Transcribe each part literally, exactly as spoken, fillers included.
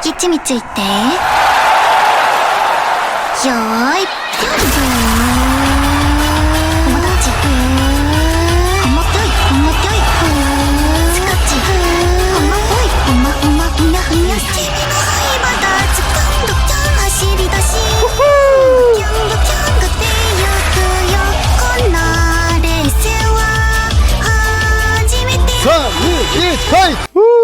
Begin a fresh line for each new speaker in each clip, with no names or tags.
きちみついてよーいぴょんぞ友達ほんまぴょいほんまぴょいスカッチほんまぽいほんまほんまふにゃふにゃ君の灰まだつかんどきゃん走り出しキャンドキャンが出ゆくよこんなレースは初めて
삼, 이, 일, 파이트!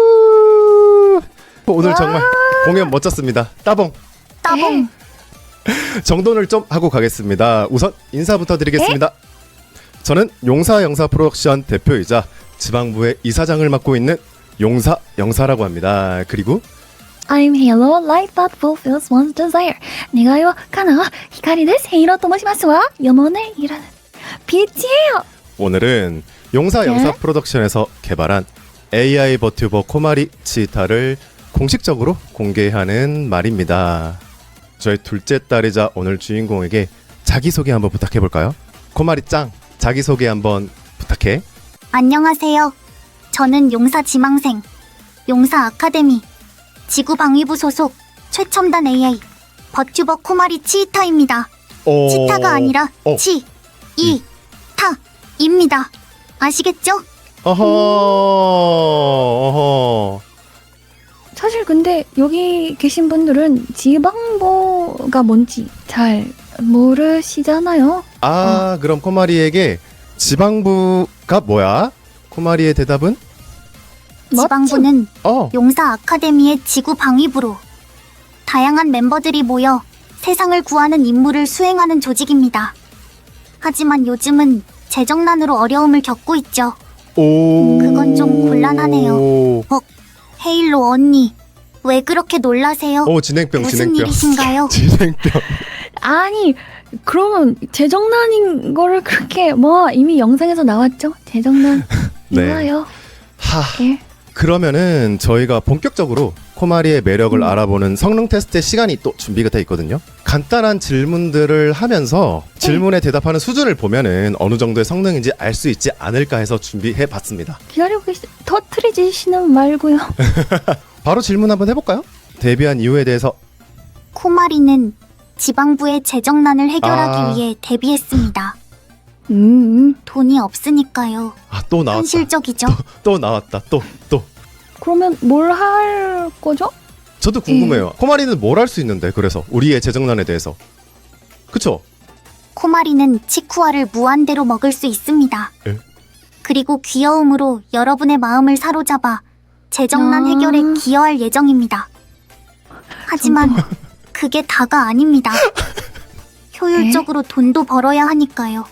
오늘 정말 공연 멋졌습니다. 따봉.
따봉
정돈을 좀 하고 가겠습니다. 우선 인사부터 드리겠습니다. 저는 용사 영사 프로덕션 대표이자 지방부의 이사장을 맡고 있는 용사 영사라고 합니다. 그리고
I'm Halo, light that fulfills one's desire. 願いを叶う光です。ヘイローと申しますわ。영혼의 이라는 빛이에요.
오늘은 용사
네?
영사 프로덕션에서 개발한 에이아이 버튜버 코마리 치타를 공식적으로 공개하는 말입니다. 저희 둘째 딸이자 오늘 주인공에게 자기소개 한번 부탁해볼까요? 코마리 짱, 자기소개 한번 부탁해.
안녕하세요. 저는 용사 지망생, 용사 아카데미, 지구방위부 소속 최첨단 에이아이 버튜버 코마리 치이타입니다.
오...
치타가 아니라
어.
치, 이, 타입니다. 아시겠죠?
어허, 어허.
사실 근데 여기 계신 분들은 지방보가 뭔지 잘 모르시잖아요.
아, 그럼 코마리에게 지방부가 뭐야? 코마리의 대답은?
지방부는
어.
용사 아카데미의 지구방위부로 다양한 멤버들이 모여 세상을 구하는 임무를 수행하는 조직입니다. 하지만 요즘은 재정난으로 어려움을 겪고 있죠.
오.
그건 좀 곤란하네요. 어, 헤일로 언니, 왜 그렇게 놀라세요?
오, 진행병,
무슨
진행병.
일이신가요?
진행병.
아니 그러면 재정난인 거를 그렇게 뭐 이미 영상에서 나왔죠. 재정난
네.
이거요.
하.
예.
그러면은 저희가 본격적으로 코마리의 매력을
음.
알아보는 성능 테스트의 시간이 또 준비가 돼 있거든요. 간단한 질문들을 하면서 질문에 대답하는 수준을 보면은 어느 정도의 성능인지 알 수 있지 않을까 해서 준비해 봤습니다.
기다리고 계시. 터트리지시는 말고요.
바로 질문 한번 해볼까요? 데뷔한 이유에 대해서.
코마리는 지방부의 재정난을 해결하기
아.
위해 데뷔했습니다.
음.
돈이 없으니까요.
아, 또 나왔다.
현실적이죠.
또 나왔다. 또 또.
그러면 뭘 할 거죠?
저도 궁금해요. 코마리는 뭘 할 수 있는데, 그래서 우리의 재정난에 대해서. 그쵸?
코마리는 치쿠아를 무한대로 먹을 수 있습니다.
에?
그리고 귀여움으로 여러분의 마음을 사로잡아 재정난
아.
해결에 기여할 예정입니다. 하지만 그게 다가 아닙니다. 효율적으로 돈도 벌어야 하니까요.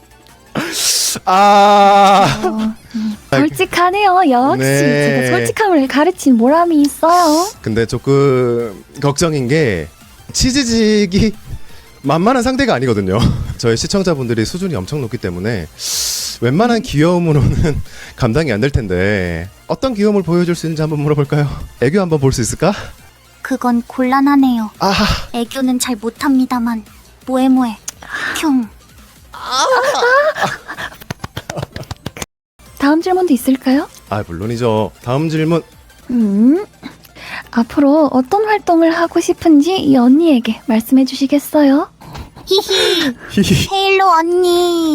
아.
어, 음. 솔직하네요. 역시
네.
제가 솔직함을 가르친 보람이 있어요.
근데 조금 걱정인 게 치즈직이 만만한 상대가 아니거든요. 저희 시청자분들이 수준이 엄청 높기 때문에 웬만한 귀여움으로는 감당이 안 될 텐데 어떤 귀여움을 보여줄 수 있는지 한번 물어볼까요? 애교 한번 볼 수 있을까?
그건 곤란하네요.
아,
애교는 잘 못합니다만 뭐해뭐해 흉.
다음 질문도 있을까요?
아 물론이죠. 다음 질문.
음, 앞으로 어떤 활동을 하고 싶은지 이 언니에게 말씀해 주시겠어요?
히히
히히.
헤일로 언니.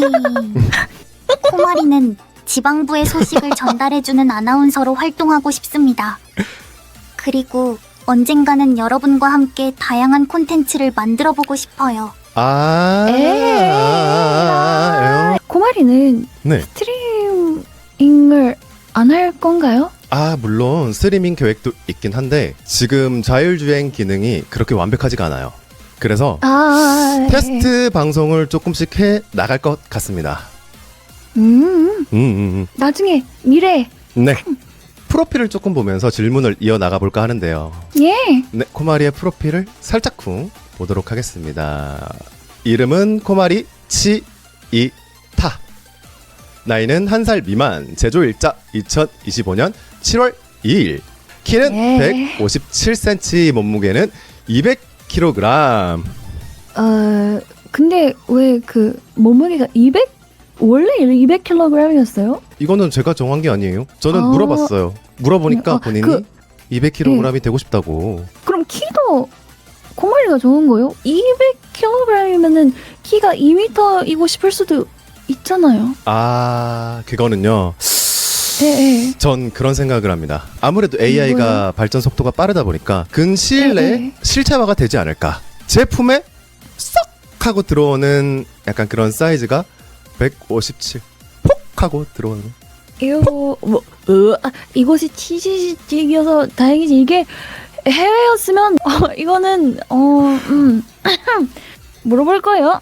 코마리는 지방부의 소식을 전달해주는 아나운서로 활동하고 싶습니다. 그리고 언젠가는 여러분과 함께 다양한 콘텐츠를 만들어보고 싶어요.
아,
에이.
아, 아, 아,
코마리는
네.
스트리밍을 안 할 건가요?
아 물론 스트리밍 계획도 있긴 한데 지금 자율주행 기능이 그렇게 완벽하지가 않아요. 그래서
아,
테스트 방송을 조금씩 해 나갈 것 같습니다.
음,
음, 음,
나중에 미래.
음. 네. 프로필을 조금 보면서 질문을 이어 나가 볼까 하는데요.
예.
네, 코마리의 프로필을 살짝쿵 보도록 하겠습니다. 이름은 코마리 치이타. 나이는 한 살 미만. 제조일자 이천이십오 년 칠월 이일. 키는
예.
백오십칠 센티미터, 몸무게는 이백 킬로그램.
어, 근데 왜 그 몸무게가 이백? 원래 이백 킬로그램이었어요?
이거는 제가 정한 게 아니에요. 저는
아.
물어봤어요. 물어보니까
아,
본인이
그-
이백 킬로그램이 되고 싶다고.
그럼 키도 코마리가 좋은 거요? 이백 킬로그램이면은 키가 이 미터이고 싶을 수도 있잖아요.
아, 그거는요.
예, 예.
전 그런 생각을 합니다. 아무래도 에이아이가
뭐요?
발전 속도가 빠르다 보니까 근시일 내에
네.
실체화가 되지 않을까. 제품에 쏙 하고 들어오는 약간 그런 사이즈가 백오십칠 폭 하고 들어오는.
이거 뭐 으, 아, 이곳이 치즈직이어서 다행이지. 이게 해외였으면 어, 이거는 어음 물어볼 거예요.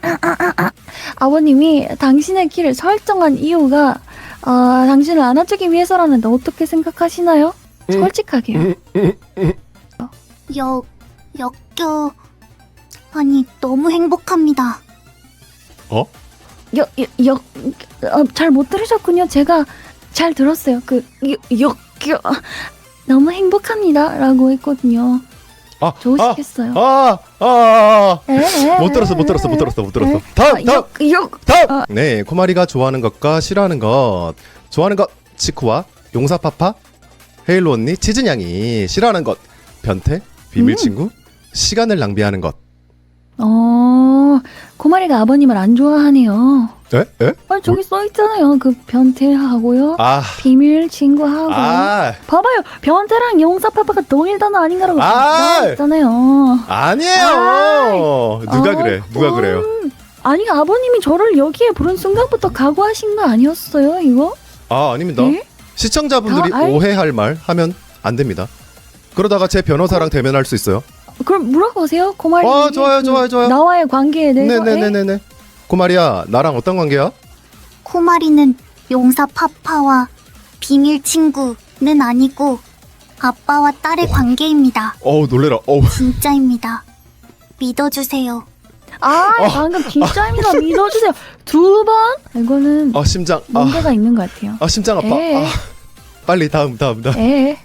아버님이 당신의 키를 설정한 이유가 어, 당신을 안아주기 위해서라는데 어떻게 생각하시나요?
음.
솔직하게요.
음, 음, 음.
역, 역겨. 아니, 너무 행복합니다.
어?
역, 역, 역, 어, 잘 못 들으셨군요. 제가 잘 들었어요. 그, 역, 역, 역, 너무 행복합니다라고 했거든요.
아,
좋으시겠어요?
아, 아, 아,
에, 에,
아. 못 들었어, 못 들었어, 못 들었어, 못 들었어. 다음,
아,
다음,
역, 역.
다음.
아.
네, 코마리가 좋아하는 것과 싫어하는 것. 좋아하는 것 치쿠와 용사파파, 헤일로 언니, 치즈냥이. 싫어하는 것 변태, 비밀
음.
친구, 시간을 낭비하는 것.
어, 코마리가 아버님을 안 좋아하네요.
에? 에?
아, 저기 써 있잖아요. 그 변태하고요.
아,
비밀 친구하고.
아,
봐봐요. 변태랑 용사파파가 동일 단어 아닌가라고
아.
나와 있잖아요.
아니에요. 누가
아,
그래? 누가
음.
그래요?
아니, 아버님이 저를 여기에 부른 순간부터 각오하신 거 아니었어요, 이거?
아, 아닙니다.
네?
시청자분들이
다 알-
오해할 말 하면 안 됩니다. 그러다가 제 변호사랑 대면할 수 있어요.
그럼 물어보세요, 코마리.
아, 좋아요, 좋아요, 좋아요.
나와의 관계에 대해서. 에?
네네네네네. 고마리야, 나랑 어떤 관계야?
코마리는 용사 파파와 비밀 친구는 아니고 아빠와 딸의 관계입니다.
어우, 놀래라. 어우.
진짜입니다. 믿어주세요.
아,
어.
방금 진짜입니다. 믿어주세요. 두 번? 이거는
아, 심장. 아,
문제가 있는 것 같아요.
아 심장 아파.
에.
아, 빨리 다음, 다음, 다음.
에.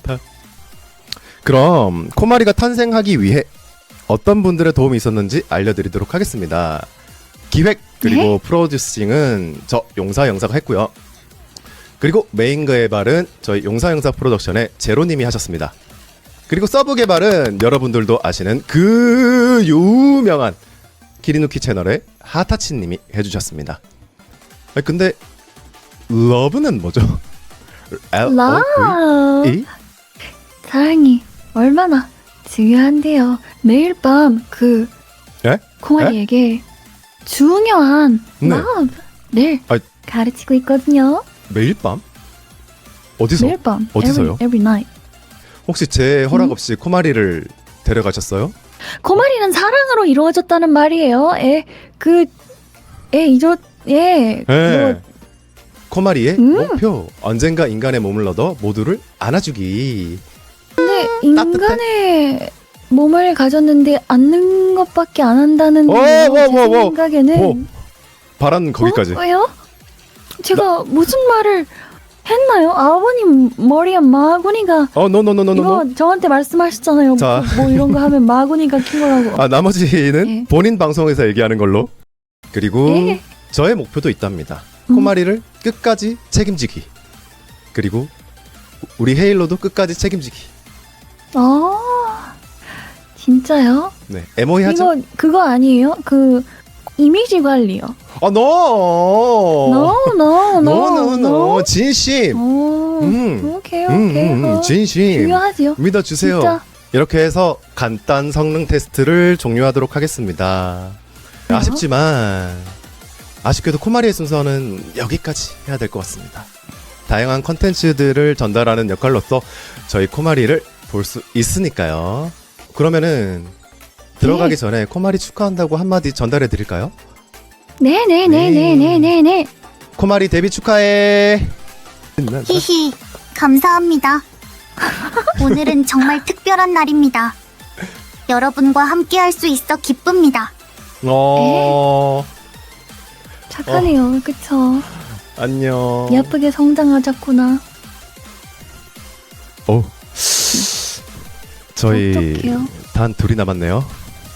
그럼 코마리가 탄생하기 위해 어떤 분들의 도움이 있었는지 알려드리도록 하겠습니다. 기획 그리고
네?
프로듀싱은 저 용사 영사가 했고요. 그리고 메인 개발은 저희 용사 영사 프로덕션의 제로님이 하셨습니다. 그리고 서브 개발은 여러분들도 아시는 그 유명한 키리누키 채널의 하타치님이 해주셨습니다. 아니, 근데 러브는 뭐죠? L O
라.
V E?
사랑이 얼마나 중요한데요. 매일 밤 그
예?
콩아리에게 중요한
네.
마음을
아.
가르치고 있거든요.
매일 밤? 어디서?
매일 밤.
어디서요?
Every, every night.
혹시 제 허락
음?
없이 코마리를 데려가셨어요?
코마리는 사랑으로 이루어졌다는 말이에요. 에, 그, 에, 이조, 예.
네.
뭐,
코마리의
음.
목표 언젠가 인간의 몸을 얻어 모두를 안아주기.
근데 인간의 몸을 가졌는데 앉는 것밖에 안 한다는
오,
게
오,
제
오, 오.
생각에는
오, 바란 거기까지.
어? 왜요? 제가 무슨 말을 했나요? 아버님 머리에 마구니가
어, 노노노노노.
이거 저한테 말씀하셨잖아요.
자.
뭐, 뭐 이런 거 하면 마구니가 킨 거라고.
아, 나머지는
예.
본인 방송에서 얘기하는 걸로. 그리고
예.
저의 목표도 있답니다.
음.
코마리를 끝까지 책임지기. 그리고 우리 헤일로도 끝까지 책임지기.
어, 진짜요?
네, 에모이 하죠?
이거 그거 아니에요? 그 이미지 관리요.
아, 노.
No, no, no,
노, 노, 노. 진심.
오,
음.
오케이,
음,
오케이.
음,
어,
진심.
중요하지요.
믿어주세요.
진짜.
이렇게 해서 간단 성능 테스트를 종료하도록 하겠습니다.
그래요?
아쉽지만 아쉽게도 코마리의 순서는 여기까지 해야 될 것 같습니다. 다양한 컨텐츠들을 전달하는 역할로서 저희 코마리를 볼 수 있으니까요. 그러면은 들어가기
네.
전에 코마리 축하한다고 한마디 전달해 드릴까요?
네, 네, 네, 네, 네, 네, 네.
코마리 데뷔 축하해.
히히, 감사합니다. 오늘은 정말 특별한 날입니다. 여러분과 함께 할 수 있어 기쁩니다.
어,
착하네요, 그쵸?
안녕.
예쁘게 성장하자꾸나.
어. 저희
어떡해요?
단 둘이 남았네요.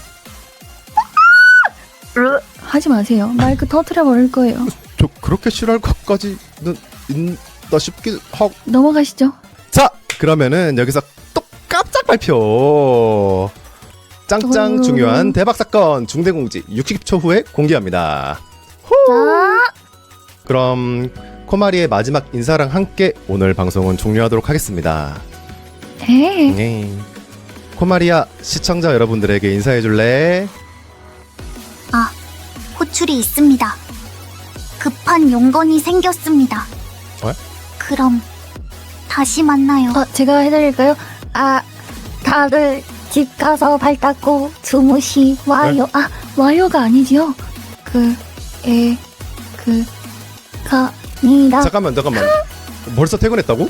하지 마세요. 마이크 터트려 버릴 거예요.
저 그렇게 싫어할 것까지는 있나 싶기도 하고.
넘어가시죠.
자, 그러면은 여기서 똑 깜짝 발표. 짱짱
음.
중요한 대박 사건 중대공지 육십 초 후에 공개합니다.
자,
그럼 코마리의 마지막 인사랑 함께 오늘 방송은 종료하도록 하겠습니다.
네.
네. 코마리야, 시청자 여러분들에게 인사해 줄래?
아, 호출이 있습니다. 급한 용건이 생겼습니다.
어?
그럼 다시 만나요.
어, 제가 해드릴까요? 아, 다들 집 가서 발 닦고 주무시 와요. 아, 와요가 아니지요. 그, 에, 그, 가, 니다.
잠깐만 잠깐만. 벌써 퇴근했다고?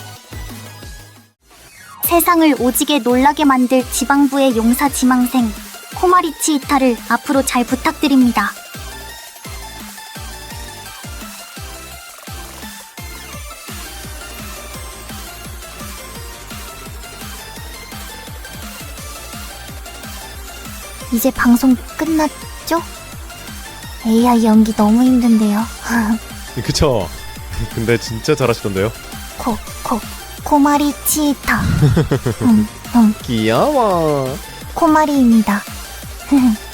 세상을 오지게 놀라게 만들 지방부의 용사 지망생 코마리치 이타를 앞으로 잘 부탁드립니다. 이제 방송 끝났죠? 에이아이 연기 너무 힘든데요.
그쵸. 근데 진짜 잘하시던데요.
코, 코, 코마리치 이타. 음, 음,
귀여워.
코마리입니다.